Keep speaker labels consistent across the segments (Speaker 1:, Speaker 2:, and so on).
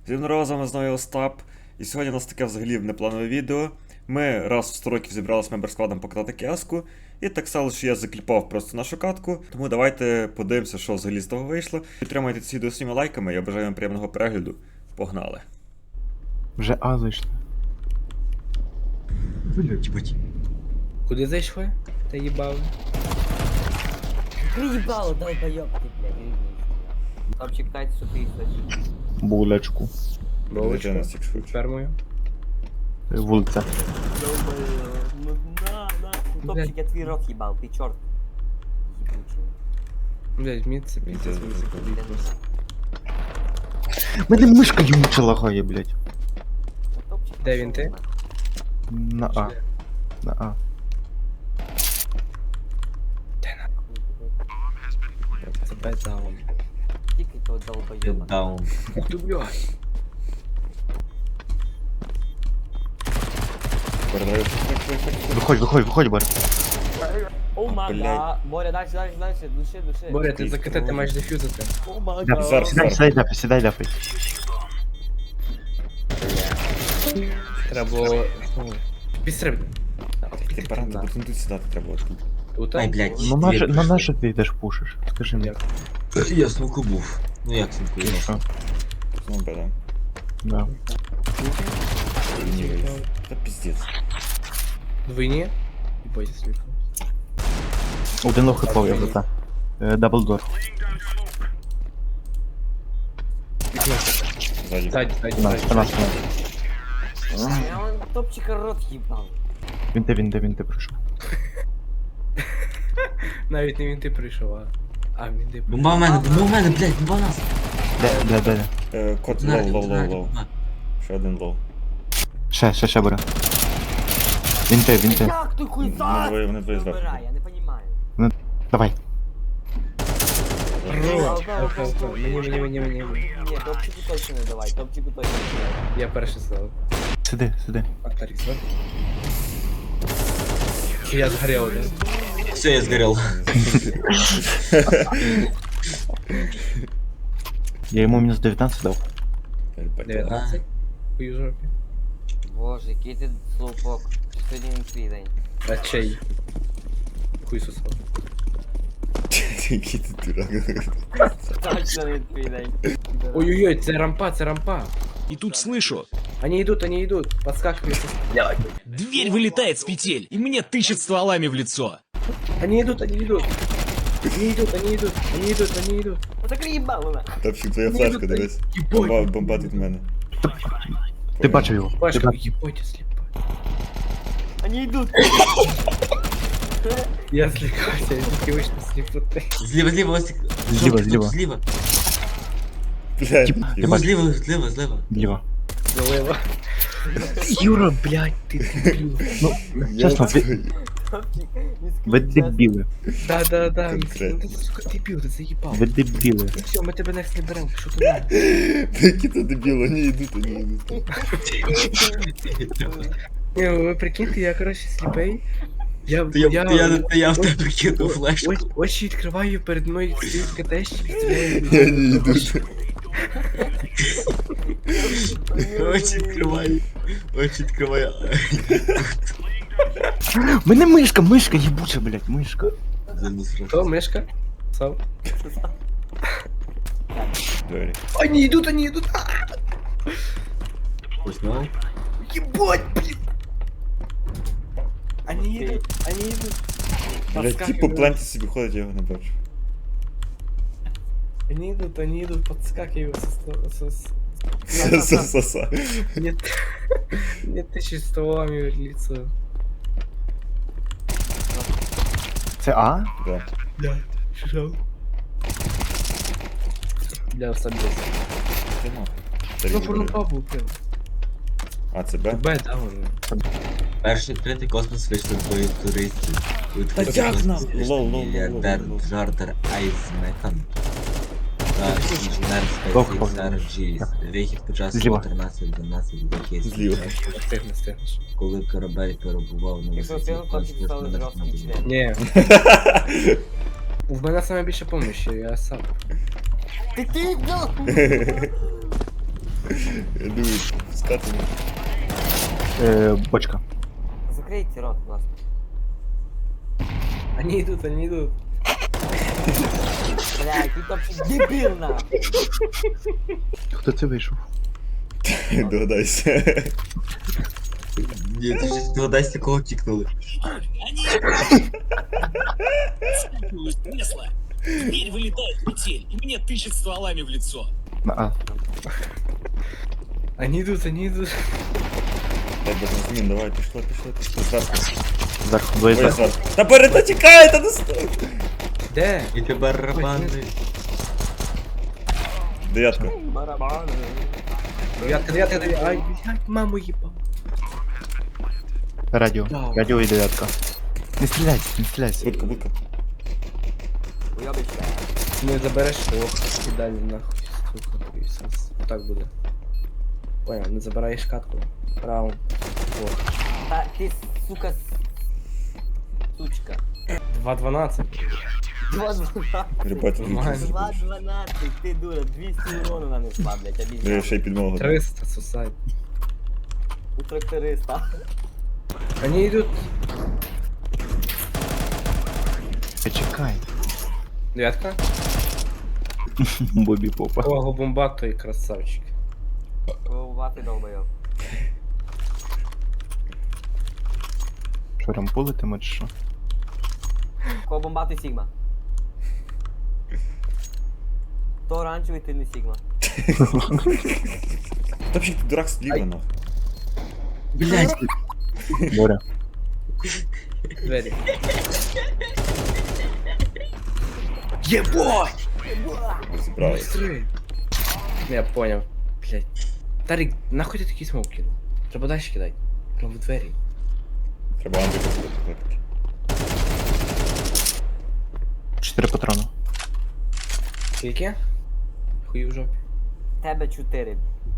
Speaker 1: Всім здорово, з вами знову Остап. І сьогодні у нас таке взагалі непланове відео. Ми раз в 100 років зібралися мембер-складом покатати кіаску. І так стало, що я закліпав просто нашу катку. Тому давайте подивимося, що взагалі з того вийшло. Підтримайте це відео своїми лайками, я бажаю вам приємного перегляду. Погнали.
Speaker 2: Вже А зайшли.
Speaker 3: Блять.
Speaker 4: Куди зайшли? Та їбав.
Speaker 5: Приебал, долбоёб ты, блядь, вернись. Топчик 500 тысяч.
Speaker 2: Булечку.
Speaker 1: Вилетя на стікшфуч.
Speaker 4: Фермою.
Speaker 2: Вулиця.
Speaker 5: Ну на. Топчик, я твой рот ебал, ты черт. Ебучий.
Speaker 4: Блять, міце,
Speaker 1: Міце,
Speaker 4: міце,
Speaker 5: Блин,
Speaker 2: Мене мишка ймуча лагає, блядь.
Speaker 5: Топчик,
Speaker 4: Де
Speaker 5: пошёл
Speaker 4: він, ти?
Speaker 5: нахуй.
Speaker 2: На А. На А.
Speaker 4: Це бедаун.
Speaker 5: Тикай того долбоёба.
Speaker 3: Даун.
Speaker 4: Ух ти, блядь.
Speaker 1: Передаю.
Speaker 2: Виходь, Бар.
Speaker 5: О май
Speaker 1: Блядь.
Speaker 5: гад. Боря, дальше, души.
Speaker 4: Боря, ти закатати маєш дефюзити.
Speaker 5: О май
Speaker 2: Ляпай.
Speaker 1: Зараз,
Speaker 5: гад.
Speaker 2: Сідай, ляпай.
Speaker 4: Треба було... Підстрибни.
Speaker 1: Ти паранта, бо тут сідати треба отут.
Speaker 4: Тут?
Speaker 3: Ай, блядь.
Speaker 2: На наше ти йдеш пушиш? Скажи мені.
Speaker 3: Я смоку був. Ну як смоку?
Speaker 2: І що?
Speaker 1: Ну, беда.
Speaker 2: Да.
Speaker 1: Та піздець.
Speaker 4: Двойні? І бойся сліпо.
Speaker 2: Один лох хипов, я брата. Даблдор.
Speaker 1: Ззаді.
Speaker 4: Ззаді.
Speaker 2: Спина.
Speaker 5: Я он топчика рот ебал.
Speaker 2: Він ти прийшов.
Speaker 4: Навіть не він ти прийшов, а він ти
Speaker 3: Бомба в мене, блядь, бомба в нас.
Speaker 2: Де?
Speaker 1: Кот лоу. Ще один лоу.
Speaker 2: Ще бере. Він ти.
Speaker 5: Як ти хуй за?
Speaker 1: Вони двоє зверху.
Speaker 5: Выбирай, я не понимаю.
Speaker 2: Давай.
Speaker 4: Мені.
Speaker 5: Нет, топчику точно не давай, топчику точно не давай.
Speaker 4: Я перший сказав.
Speaker 2: Сиди.
Speaker 4: Артарік, зверху. Я згорів, да?
Speaker 3: Все, я сгорел.
Speaker 2: Я йому мінус 19 дав.
Speaker 4: 19. Хуй у жопі.
Speaker 5: Боже, який ти слупок. Сьогодні він твій день.
Speaker 4: А чей? Хуй сосав.
Speaker 1: Який ти дурак.
Speaker 5: Точно він твій день.
Speaker 4: Ой-ой-ой, це рампа.
Speaker 6: И тут слышу,
Speaker 4: Они идут, подскакивают.
Speaker 6: дверь вылетает с петель, и мне тычет стволами в лицо.
Speaker 4: Они идут.
Speaker 5: Закрий їбало на.
Speaker 1: Топчик, твоя флешка, дивись. Бомба тут в мене.
Speaker 2: Ти бачив його?
Speaker 4: Пашка, ебать, слепо.
Speaker 5: Они йдуть.
Speaker 4: Я слегкался, я тільки вийшов сліпоти.
Speaker 3: Зліва, Остик.
Speaker 2: Зліва.
Speaker 3: Зліва.
Speaker 1: Блядь.
Speaker 3: Йому зліва.
Speaker 2: Ліва.
Speaker 4: Залива. Юра, блядь, ты дебил.
Speaker 2: Ну, чесно, ви дебіли.
Speaker 4: Да.
Speaker 1: Конкретно.
Speaker 4: Ты, сука, дебил, ты заебал.
Speaker 2: Ви дебіли.
Speaker 4: Ну все, мы тебя next не берем, что туда?
Speaker 1: Які ти дебіл, вони йдуть.
Speaker 4: Не, вы прикиньте, я, короче, слепей. Я
Speaker 3: Та я в тебе кинув флешку.
Speaker 4: Очі відкриваю, перед мною стоїть КТшник, стріляє.
Speaker 1: Я не йду.
Speaker 3: Очі відкриваю.
Speaker 2: Мене мишка, їбуча, блядь, мишка.
Speaker 4: Кто, мышка? Сам.
Speaker 1: Двері.
Speaker 4: Они идут.
Speaker 3: Узнал?
Speaker 4: Ебать, блин. Они идут.
Speaker 1: Блядь, ті по пленті собі ходять, я його не бачу.
Speaker 4: Они идут, подскакивают
Speaker 1: Са-са-са-са.
Speaker 4: Нет, тысячи стволами в лицо.
Speaker 2: Це А?
Speaker 1: Да.
Speaker 4: Да, шел. Бля, собес.
Speaker 1: Ти нахуй. Та
Speaker 4: Ну,
Speaker 1: він
Speaker 4: порно
Speaker 1: буде.
Speaker 4: бабу, прям.
Speaker 1: А, це Б?
Speaker 4: Б, да, уже.
Speaker 3: Перший відкритий космос вийшли двоє туристів.
Speaker 1: Та як нам? Лол.
Speaker 3: Мільярдер Джордер Айзмекан. Та інженер
Speaker 2: Лох,
Speaker 3: спецофіцер Джіс. Вихід почався
Speaker 2: Зліва.
Speaker 3: 14-12 років.
Speaker 1: Зліва.
Speaker 4: Стигнеш.
Speaker 3: Коли корабель перебував на
Speaker 5: Якщо
Speaker 3: висоті
Speaker 5: ти топчик стали жорсткий член.
Speaker 4: Не. В мене саме більше помощі, я сам.
Speaker 5: Ти,
Speaker 1: Скатаний.
Speaker 2: Бочка.
Speaker 5: Закрийте рот, будь ласка.
Speaker 4: Они идут, они идут.
Speaker 5: Бля, який топчик дебіл, нахуй.
Speaker 2: Хто це вийшов?
Speaker 1: Догадайся.
Speaker 3: Ні, ти ж догадайся, кого кікнули.
Speaker 6: Скакиваю с кресла. Дверь вылетает петель, и мне тычет стволами в лицо.
Speaker 2: На А.
Speaker 4: Они идут, они идут.
Speaker 1: Так, без змін, давай, пішло. Зверху.
Speaker 2: Зверху, двоє
Speaker 1: Двоє
Speaker 2: зверху.
Speaker 1: зверху. Та перед тікає, та не стой!
Speaker 4: Де?
Speaker 3: І ти барабани.
Speaker 1: Дев'ятка.
Speaker 5: Барабани.
Speaker 4: Девятка. Ай, блядь, маму ебал.
Speaker 2: Радіо.
Speaker 4: Да.
Speaker 2: Радіо і дев'ятка. Не стріляйся, не стріляйся.
Speaker 1: Будка.
Speaker 5: Уйобище.
Speaker 4: Не забереш, ох, і далі нахуй, сука, і все. Так буде. Понял, не забираєш катку. Раунд. Ох.
Speaker 5: Та ти, сука, сучка.
Speaker 4: 2-12.
Speaker 5: 2-12.
Speaker 1: Ребята,
Speaker 4: Нормально.
Speaker 5: 2-12, ти дура, 200 урону нанесла, блядь,
Speaker 1: я
Speaker 5: обіцяю.
Speaker 1: ще й підмогу.
Speaker 4: 300, сусай.
Speaker 5: У тракториста.
Speaker 4: Они идут.
Speaker 2: Чекай.
Speaker 4: Девятка.
Speaker 2: Бобі попа.
Speaker 4: О, бомбак, той красавчик.
Speaker 5: Вати долбойоб.
Speaker 2: Що, рампулитиме чи що?
Speaker 5: Кого бомбати Сігма? То оранжевий, ти не Сігма.
Speaker 1: Та взагалі ти дурак сліва, нахуй.
Speaker 3: Блять,
Speaker 2: Боря.
Speaker 4: Двери.
Speaker 1: Розібрались.
Speaker 4: Быстрее. Я понял. Блять. Тарик, нахуй ти такий смок кинув? Треба далі кидати. Прям в двері.
Speaker 1: Треба Андрій послухати.
Speaker 2: 4 патрони.
Speaker 4: Скільки? Хуй в жопі.
Speaker 5: Тебе 4.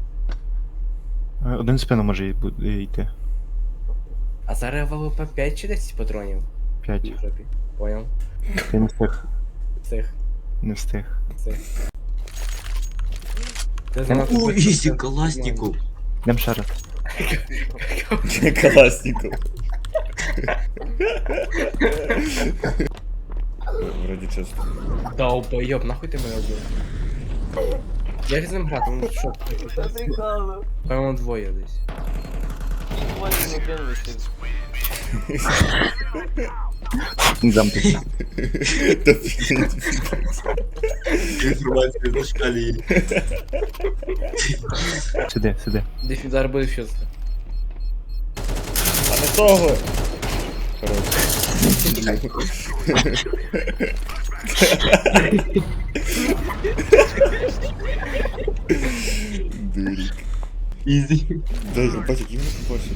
Speaker 2: Один в спину може йти.
Speaker 4: А зараз ВВП 5 чи 10 патронів?
Speaker 2: 5.
Speaker 4: Хуй в жопі. Понял.
Speaker 2: Ти не встиг.
Speaker 4: Цих.
Speaker 2: Не встиг.
Speaker 4: Ти занадто
Speaker 3: О,
Speaker 4: швидко
Speaker 3: ісі,
Speaker 4: все
Speaker 3: каласніку.
Speaker 2: Йдем ще раз.
Speaker 1: Каласников. Вроді чисто.
Speaker 4: Долбойоб, нахуй ти мене вбив? Як з ним грати? Ну що?
Speaker 5: Це прикольно.
Speaker 4: Певно двоє десь.
Speaker 5: Двоє не кинулися.
Speaker 2: Замки.
Speaker 1: Та блін.
Speaker 3: Інформація зашкалює.
Speaker 2: Сиди.
Speaker 4: Десь зараз буде щось.
Speaker 1: А не того! Хорош. Дурик.
Speaker 3: Ізі.
Speaker 1: Дай, бать, які вони побольше.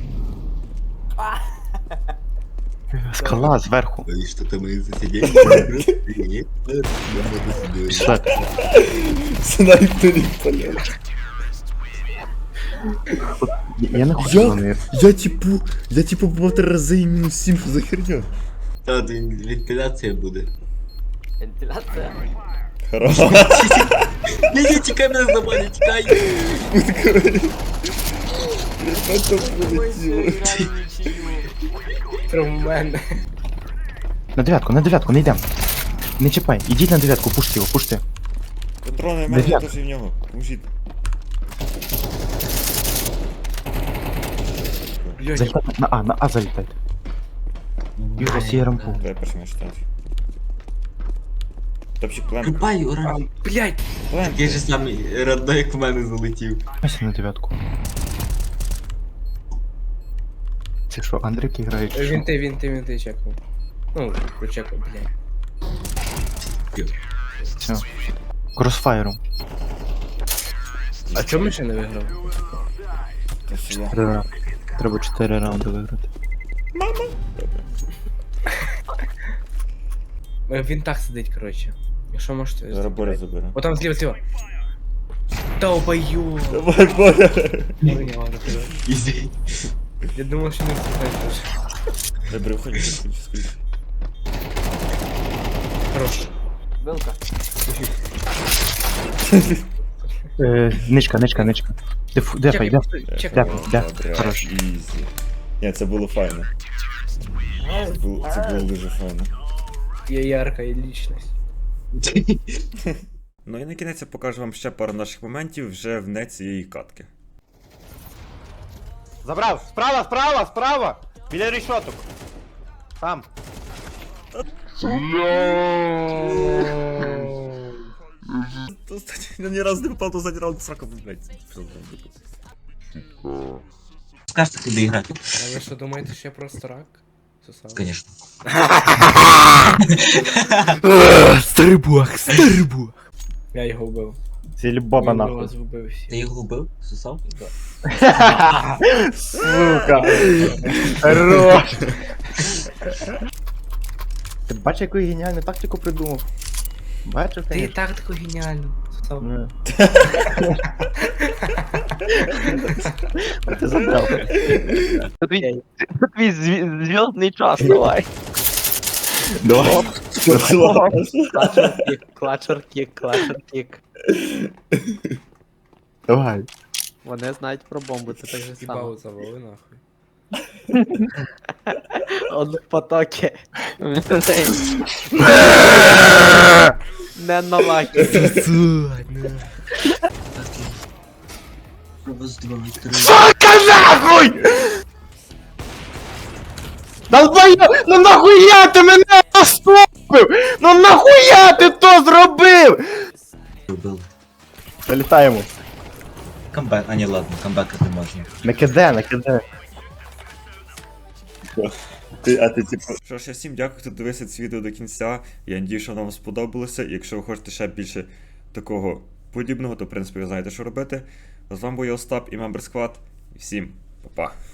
Speaker 2: Скала зверху.
Speaker 3: І що там і засиділи? Ні, я буду сидіти.
Speaker 2: Пішла.
Speaker 1: Снайперів полет.
Speaker 2: Я не хочу
Speaker 1: Як?
Speaker 2: вони.
Speaker 1: Я типу був 3 рази і мінус 7, що за херня?
Speaker 3: Та вентиляція буде.
Speaker 5: Вентиляція.
Speaker 1: Хорош.
Speaker 3: Ні, тікай мене з домой, тікай.
Speaker 1: Це
Speaker 5: Ой, ще
Speaker 1: полетіло.
Speaker 5: граю нічию.
Speaker 4: Прям в мене.
Speaker 2: На дев'ятку, не йдем. Не чіпай, ідіть на дев'ятку, пушти його, пушти.
Speaker 1: Патрони в мене
Speaker 2: Дев'ятка.
Speaker 1: теж і в нього. Поможіть.
Speaker 4: Блядь.
Speaker 2: Залітайте на А залітайте. Юра, сіє рампу.
Speaker 1: Дай перший меч станцію. Топчик плен.
Speaker 3: Рубай, ура.
Speaker 4: Блядь.
Speaker 1: Плен.
Speaker 3: Такий же самий родной, як в мене залетів.
Speaker 2: Ось на дев'ятку. Це що, Андрики грають? чи що?
Speaker 4: Вінти чекнув. Ну, прочекав, блядь.
Speaker 2: Все. Кросфайром.
Speaker 4: А чому ми ще не виграв?
Speaker 1: Та сюди.
Speaker 2: Треба 4 раунди виграти.
Speaker 4: Він так сидить, коротше. Якщо можете.
Speaker 1: Зараз Боря забере.
Speaker 4: О, там зліва. Долбою.
Speaker 1: Давай, Боря!
Speaker 3: Ізі.
Speaker 4: Я думав, що не встигаю.
Speaker 1: Добре, виходь, скоріше.
Speaker 4: Хорош.
Speaker 5: Вилка.
Speaker 2: Ничка. Дефай.
Speaker 4: Чекай.
Speaker 2: Да,
Speaker 1: Добре,
Speaker 2: хорош.
Speaker 1: ізі. Ні, це було файно. Це було дуже файно.
Speaker 4: Є ярка і лічність.
Speaker 1: Ну і на кінець я покажу вам ще пару наших моментів вже вне цієї катки.
Speaker 7: Забрав! Справа! Біля рішоток. Там.
Speaker 1: Я ні разу не попав до задній раунд сраку, блядь.
Speaker 3: Скажете, куди грати?
Speaker 4: А ви що думаєте, що я просто рак? Сосав?
Speaker 3: Конечно.
Speaker 2: Старий бог.
Speaker 4: Я його вбив.
Speaker 2: Сільбоба
Speaker 4: Він
Speaker 2: нахуй.
Speaker 4: вас вбив всі.
Speaker 3: Ти його вбив? Сусав?
Speaker 2: Сука. Хорош. Ти бачиш, яку я геніальну тактику придумав? Бачив,
Speaker 4: Ти і
Speaker 2: конечно.
Speaker 4: так таку геніальну. Сосав.
Speaker 2: Ну. Ти забрав.
Speaker 7: Твій зв'язний час, давай.
Speaker 2: Давай.
Speaker 7: Клачер кік.
Speaker 2: Давай.
Speaker 7: Вони знають про бомбу, це так же само.
Speaker 4: Їбало завали нахуй.
Speaker 7: Он в потокі. Не на лакі.
Speaker 3: Раз, два, три.
Speaker 2: Сука нахуй! Долбоёб! Ну нахуя ти мене наступив? Ну нахуя ти то зробив?
Speaker 3: Вбили.
Speaker 2: Залітаємо.
Speaker 3: Камбек, а ні, ладно, камбекати не можна.
Speaker 2: Накиде.
Speaker 1: Що ж, я всім дякую, хто дивився це відео до кінця. Я надію, що воно вам сподобалося. І якщо ви хочете ще більше такого подібного, то в принципі ви знаєте, що робити. З вами був я Остап і Member Squad. Всім па-па.